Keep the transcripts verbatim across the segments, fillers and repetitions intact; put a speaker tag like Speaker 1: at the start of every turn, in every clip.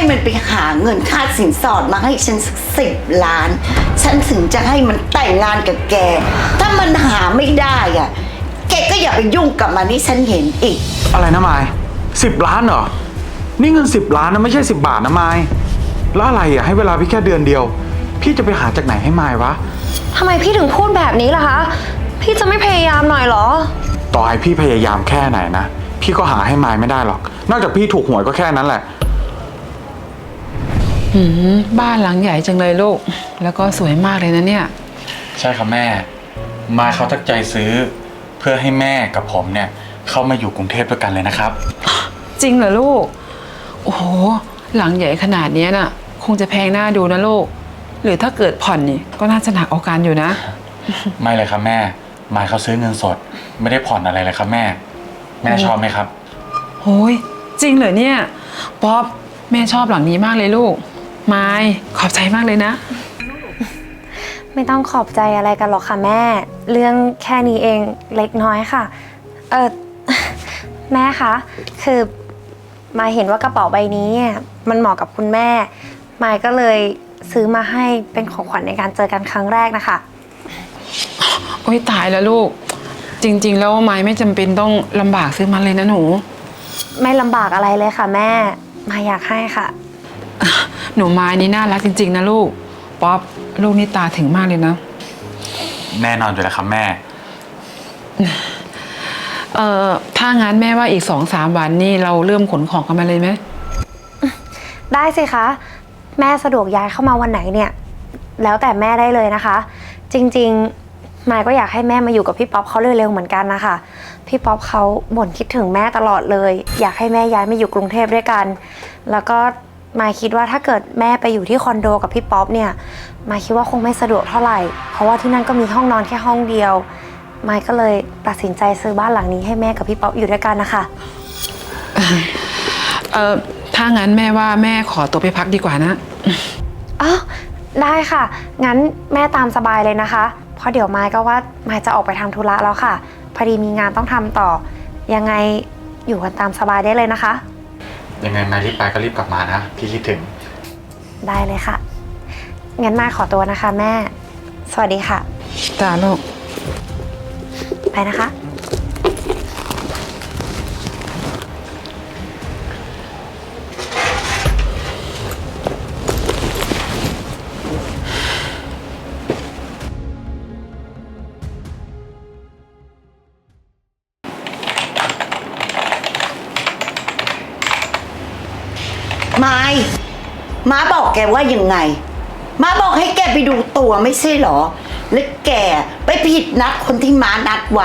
Speaker 1: มันไปหาเงินค่าสินสอดมาให้ฉันสักสิบล้าน ฉันถึงจะให้มันแต่งงานกับแก ถ้ามันหาไม่ได้อ่ะ แกก็อย่าไปยุ่งกับมันให้ฉันเห็นอีก
Speaker 2: อะไรนะไมายสิบล้านเหรอ นี่เงินสิบล้านนะไม่ใช่สิบบาทนะไมายแล้วอะไรอ่ะให้เวลาพี่แค่เดือนเดียว พี่จะไปหาจากไหนให้ไมายวะ
Speaker 3: ทำไมพี่ถึงพูดแบบนี้ล่ะคะ พี่จะไม่พยายามหน่อยเหรอ
Speaker 2: ต่อให้พี่พยายามแค่ไหนนะ พี่ก็หาให้ไมายไม่ได้หรอก นอกจากพี่ถูกหวยก็แค่นั้นแหละ
Speaker 4: หืมบ้านหลังใหญ่จังเลยลูก แล้วก็สวยมากเลยนะเนี่ย
Speaker 2: ใช่ครับแม่ มายเขาตั้งใจซื้อ เพื่อให้แม่กับผมเนี่ยเข้ามาอยู่กรุงเทพด้วยกันเลยนะครับ
Speaker 4: จริงเหรอลูก โอ้โห หลังใหญ่ขนาดนี้น่ะ คงจะแพงหน้าดูนะลูก หรือถ้าเกิดผ่อนนี่ก็น่าจะหนักเอาการอยู่นะ
Speaker 2: ไม่เลยครับแม่ มายเขาซื้อเงินสด ไม่ได้ผ่อนอะไรเลยครับแม่ แม่ชอบไหมครับ
Speaker 4: โอ้ยจริงเหรอเนี่ย ป๊อปแม่ชอบหลังนี้มากเลยลูก ไมายขอบใจมากเลยนะ
Speaker 3: ไม่ต้องขอบใจอะไรกันหรอกค่ะแม่ เรื่องแค่นี้เองเล็กน้อยค่ะ เออ แม่คะคือมายเห็นว่ากระเป๋าใบนี้มันเหมาะกับคุณแม่มายก็เลยซื้อมาให้เป็นของขวัญในการเจอกันครั้งแรกนะคะ
Speaker 4: โอ้ยตายแล้วลูก จริงๆแล้วไมายไม่จำเป็นต้องลำบากซื้อมันเลยนะหนู
Speaker 3: ไม่ลำบากอะไรเลยค่ะแม่มายอยากให้ค่ะ
Speaker 4: หนูไม้นี่น่ารักจริงๆนะลูก ป๊อปลูกนี่ตาถึงมากเลยนะ
Speaker 2: แน่นอนอยู่แล้วครับแม่
Speaker 4: เอ่อถ้างั้นแม่ว่าอีกสองสามวันนี่เราเริ่มขนของกันมาเลยไหม
Speaker 3: ได้สิคะแม่สะดวกย้ายเข้ามาวันไหนเนี่ยแล้วแต่แม่ได้เลยนะคะ จริงๆมายก็อยากให้แม่มาอยู่กับพี่ป๊อปเขาเร็วๆเหมือนกันนะคะพี่ป๊อปเขาบ่นคิดถึงแม่ตลอดเลยอยากให้แม่ย้ายมาอยู่กรุงเทพด้วยกันแล้วก็มายคิดว่าถ้าเกิดแม่ไปอยู่ที่คอนโดกับพี่ป๊อปเนี่ยมายคิดว่าคงไม่สะดวกเท่าไหร่เพราะว่าที่นั่นก็มีห้องนอนแค่ห้องเดียวมายก็เลยตัดสินใจซื้อบ้านหลังนี้ให้แม่กับพี่ป๊อปอยู่ด้วยกันนะคะ
Speaker 4: เอ่อถ้างั้นแม่ว่าแม่ขอตัวไปพักดีกว่านะ
Speaker 3: อ้าวได้ค่ะงั้นแม่ตามสบายเลยนะคะเพราะเดี๋ยวมายก็ว่ามายจะออกไปทำธุระแล้วค่ะพอดีมีงานต้องทำต่อยังไงอยู่กันตามสบายได้เลยนะคะ
Speaker 2: ยังไงมายรีบไปก็รีบกลับมานะ พี่คิดถึง
Speaker 3: ได้เลยค่ะงั้นมายขอตัวนะคะแม่สวัสดีค่ะ
Speaker 4: จ้าลูก
Speaker 3: ไปนะคะ
Speaker 1: ไม้ม้าบอกแกว่ายังไงม้าบอกให้แกไปดูตัวไม่ใช่เหรอ แล้วแกไปผิดนัดคนที่ม้านัดไว้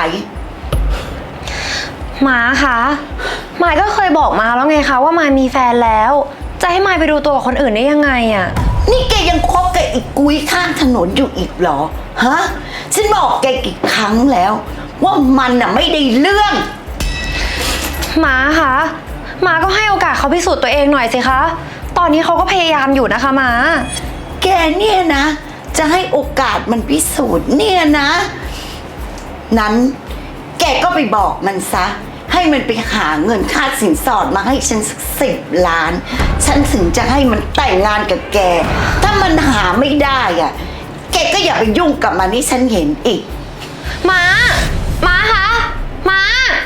Speaker 3: หมาคะมายก็เคยบอกมาแล้วไงคะว่ามายมีแฟนแล้วจะให้มายไปดูตัวกับคนอื่นได้ยังไงอะ
Speaker 1: นี่แกยังคบกับอีกกุ้ยข้างถนนอยู่อีกเหรอ ฮะ ฉันบอกแกกี่ครั้งแล้ว ว่ามันน่ะไม่ได้เรื่อง
Speaker 3: หมาคะหมาก็ให้โอกาสเขาพิสูจน์ตัวเองหน่อยสิคะตอนนี้เขาก็พยายามอยู่นะคะหมา
Speaker 1: แกเนี่ยนะ จะให้โอกาสมันพิสูจน์เนี่ยนะ นั้นแกก็ไปบอกมันซะ ให้มันไปหาเงินค่าสินสอดมาให้ฉันสักสิบล้าน ฉันถึงจะให้มันแต่งงานกับแก ถ้ามันหาไม่ได้อ่ะ แกก็อย่าไปยุ่งกับมันให้ฉันเห็นอีก
Speaker 3: หมาหมาคะหมา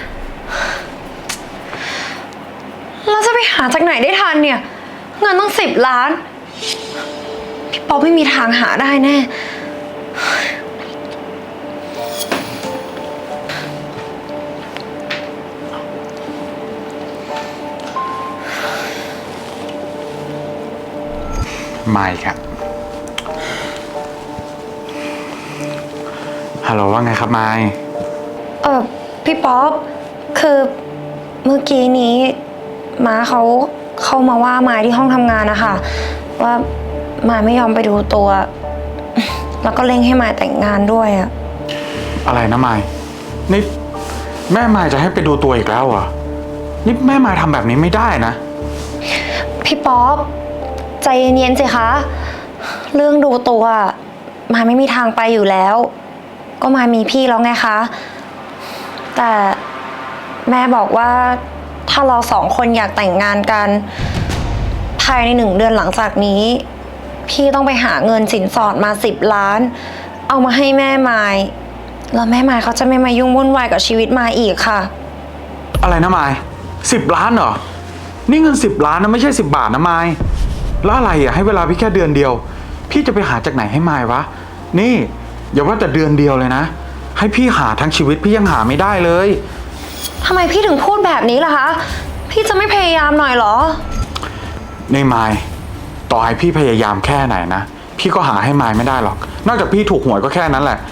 Speaker 3: เราจะไปหาจากไหนได้ทันเนี่ยเงินต้องสิบล้านพี่ป๊อปไม่มีทางหาได้แน่
Speaker 2: ไม่ครับฮัลโหลว่าไงครับไมค์
Speaker 3: เออพี่ป๊อปคือเมื่อกี้นี้ม้าเขาเข้ามาว่าไม้ที่ห้องทำงานนะคะว่าไม้ไม่ยอมไปดูตัว แล้วก็เร่งให้ไม้แต่งงานด้วยอะ
Speaker 2: อะไรนะไมค์นี่แม่ไมค์จะให้ไปดูตัวอีกแล้วเหรอ นี่แม่ไมค์ทำแบบนี้ไม่ได้นะ
Speaker 3: พี่ป๊อปใจเย็นๆสิคะเรื่องดูตัวไม้ไม่มีทางไปอยู่แล้ว ก็ไม้มีพี่แล้วไงคะแต่แม่บอกว่าถ้าเราสองคนอยากแต่งงานกันภายในหนึ่งเดือนหลังจากนี้ พี่ต้องไปหาเงินสินสอดมาสิบล้าน เอามาให้แม่ไม้แล้วแม่ไม้เขาจะไม่มายุ่งวุ่นวายกับชีวิตมายอีกค่ะ
Speaker 2: อะไรนะไมายสิบล้านเหรอ นี่เงินสิบล้านนะไม่ใช่สิบบาทนะไมายแล้วอะไรอ่ะให้เวลาพี่แค่เดือนเดียว พี่จะไปหาจากไหนให้ไมายวะ นี่อย่าว่าแต่เดือนเดียวเลยนะ ให้พี่หาทั้งชีวิตพี่ยังหาไม่ได้เลย
Speaker 3: ทำไมพี่ถึงพูดแบบนี้ล่ะคะ พี่จะไม่พยายามหน่อยเหรอ
Speaker 2: นี่ไมายต่อให้พี่พยายามแค่ไหนนะ พี่ก็หาให้ไมายไม่ได้หรอก นอกจากพี่ถูกหวยก็แค่นั้นแหละ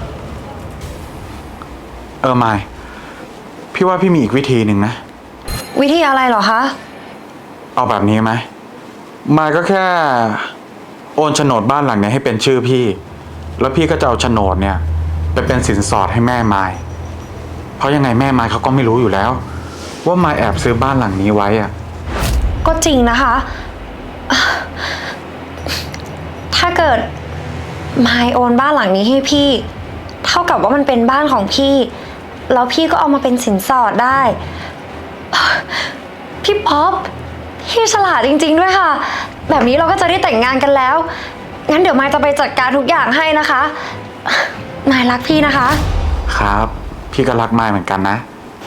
Speaker 2: เออไมายพี่ว่าพี่มีอีกวิธีหนึ่งนะ
Speaker 3: วิธีอะไรเหรอคะ
Speaker 2: เอาแบบนี้ไหมมายก็แค่โอนโฉนดบ้านหลังนี้ให้เป็นชื่อพี่ แล้วพี่ก็จะเอาโฉนดเนี่ยไปเป็นสินสอดให้แม่มายเพราะยังไงแม่มายเขาก็ไม่รู้อยู่แล้ว ว่ามายแอบซื้อบ้านหลังนี้ไว้อะ
Speaker 3: ก็จริงนะคะ ถ้าเกิดมายโอนบ้านหลังนี้ให้พี่ เท่ากับว่ามันเป็นบ้านของพี่ แล้วพี่ก็เอามาเป็นสินสอดได้ พี่ป๊อปพี่ฉลาดจริงๆด้วยค่ะ แบบนี้เราก็จะได้แต่งงานกันแล้ว งั้นเดี๋ยวมายจะไปจัดการทุกอย่างให้นะคะมายรักพี่นะคะ
Speaker 2: ครับ พี่ก็รักมายเหมือนกันนะ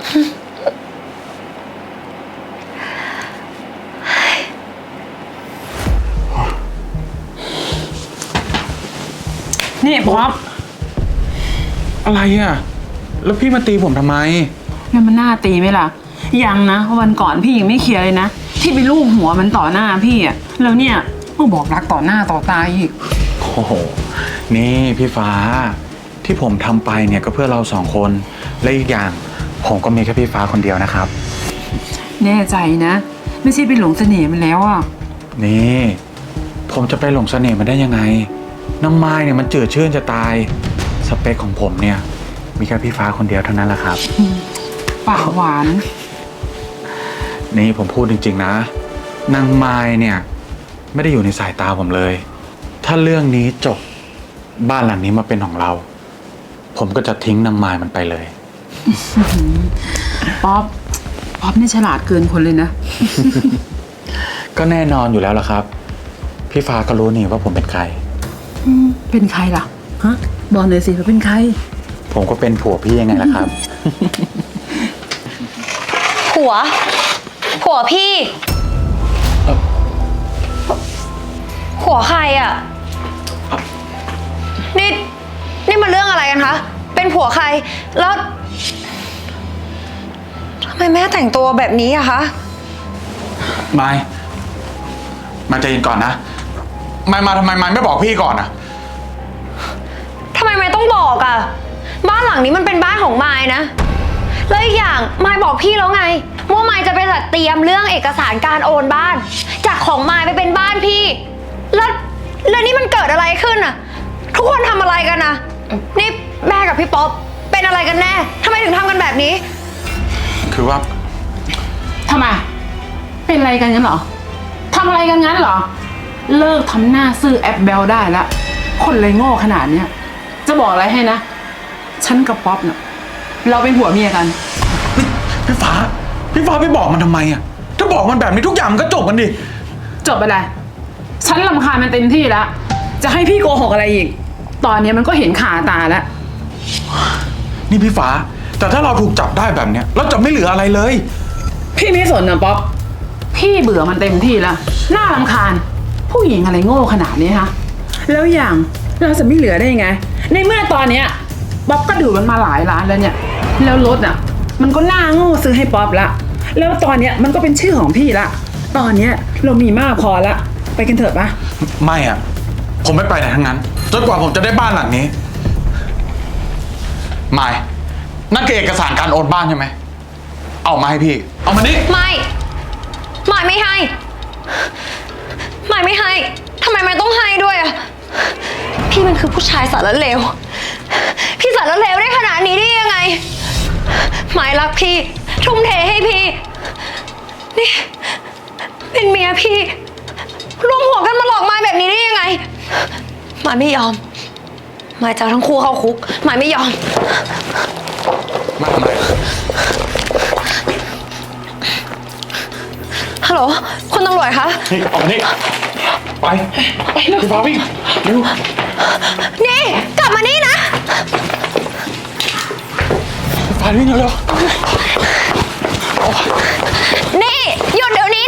Speaker 4: นี่ป๊อป
Speaker 2: อะไรอ่ะ แล้วพี่มาตีผมทำไม
Speaker 4: แล้วมันน่าตีไหมล่ะ ยังนะวันก่อนพี่ยังไม่เคลียร์เลยนะ ที่ไปลูบหัวมันต่อหน้าพี่อะแล้วเนี่ยมาบอกรักต่อหน้าต่อตาอีก
Speaker 2: โอ้โห นี่พี่ฟ้า ที่ผมทำไปเนี่ยก็เพื่อเราสองคน และอีกอย่างผมก็มีแค่พี่ฟ้าคนเดียวนะครับ
Speaker 4: แน่ใจนะ ไม่ใช่ไปหลงเสน่ห์มันแล้วอ่ะ
Speaker 2: นี่ ผมจะไปหลงเสน่ห์มันได้ยังไง น้องไม้เนี่ยมันจืดชื่นจะตาย สเปคของผมเนี่ย มีแค่พี่ฟ้าคนเดียวเท่านั้นแหละครับ
Speaker 4: ปากหวาน
Speaker 2: นี่ผมพูดจริงๆนะนางไม้เนี่ย ไม่ได้อยู่ในสายตาผมเลย ถ้าเรื่องนี้จบบ้านหลังนี้มาเป็นของเรา ผมก็จะทิ้งนางไม้มันไปเลย
Speaker 4: ป๊อป ป๊อปนี่ฉลาดเกินคนเลยนะ
Speaker 2: ก็แน่นอนอยู่แล้วล่ะครับ พี่ฟ้าก็รู้นี่ว่าผมเป็นใคร
Speaker 4: เป็นใครล่ะ ฮะ บอกหน่อยสิว่าเป็นใคร
Speaker 2: ผมก็เป็นผัวพี่ยังไงล่ะครับ
Speaker 3: ผัว ผัวพี่
Speaker 2: เอ่อ
Speaker 3: ผัวใครอ่ะ นี่ นี่มันเรื่องอะไรกันคะ เป็นผัวใคร แล้วทำไมแม่แต่งตัวแบบนี้อะคะ
Speaker 2: ไม้มาใจเย็นก่อนนะไม้มาทำไมไม้ไม่บอกพี่ก่อนนะ
Speaker 3: ทำไมไม่ต้องบอกอะบ้านหลังนี้มันเป็นบ้านของมายนะ แล้วอีกอย่างมายบอกพี่แล้วไงว่ามายจะไปจัดเตรียมเรื่องเอกสารการโอนบ้าน จากของมายไปเป็นบ้านพี่ แล้วแล้วนี่มันเกิดอะไรขึ้นอะทุกคนทำอะไรกันนะนี่แม่กับพี่ป๊อปเป็นอะไรกันแน่ทำไมถึงทำกันแบบนี้
Speaker 2: คือว่า
Speaker 4: ทำไม เป็นอะไรกันงั้นเหรอ ทำอะไรกันงั้นเหรอ เลิกทำหน้าซื่อแอปเบลได้ละคนเลยโง่ขนาดเนี้ย จะบอกอะไรให้นะ ฉันกับป๊อปเน่ะเราเป็นผัวเมียกัน
Speaker 2: พี่ฟ้า พี่ฟ้าไปบอกมันทำไมอ่ะ ถ้าบอกมันแบบนี้ทุกอย่างมันก็จบกันดิ
Speaker 4: จบไปเลย ฉันรำคาญมันเต็มที่แล้ว จะให้พี่โกหกอะไรอีก ตอนนี้มันก็เห็นขาตาแล้ว
Speaker 2: นี่พี่ฟ้า แต่ถ้าเราถูกจับได้แบบเนี้ยเราจะไม่เหลืออะไรเลย
Speaker 4: พี่ไม่สนนะป๊อป พี่เบื่อมันเต็มที่แล้ว น่ารำคาญ ผู้หญิงอะไรโง่ขนาดนี้ฮะ แล้วอย่างเราจะไม่เหลือได้ยังไง ในเมื่อตอนเนี้ยป๊อปก็ดูมันมาหลายล้านแล้วเนี่ย แล้วรถอ่ะ มันก็น่าโง่ซื้อให้ป๊อปละ แล้วตอนเนี้ยมันก็เป็นชื่อของพี่ละ ตอนเนี้ยเรามีมากพอละ ไปกันเถอะปะ
Speaker 2: ไม่อ่ะ ผมไม่ไปไหนทั้งนั้น จนกว่าผมจะได้บ้านหลังนี้ ไม่ นั่นคือเอกสารการโอนบ้านใช่ไหม เอามาให้พี่ เอามานี่
Speaker 3: ไม่ไม่ไม่ให้ไม่ไม่ให้ทำไมไม่ต้องให้ด้วยอะพี่มันคือผู้ชายสารเลวพี่สารเลวได้ขนาดนี้ได้ยังไงหมายรักพี่ทุ่มเทให้พี่นี่เป็นเมียพี่รวมหัวกันมาหลอกมายแบบนี้ได้ยังไงมายไม่ยอมมายจะเอาทั้งคู่เข้าคุกมายไม่ยอม
Speaker 2: มาทำไม
Speaker 3: ฮฮัลโหลคุณตำรวจคะ
Speaker 2: นี่ออกมานี่ไปไปเลยพี่ฟ้าวิ่งเร็ว
Speaker 3: นี่ กลับมานี่นะ
Speaker 2: พี่ฟ้าวิ่งเร็ว
Speaker 3: นี่ หยุดเดี๋ยวนี้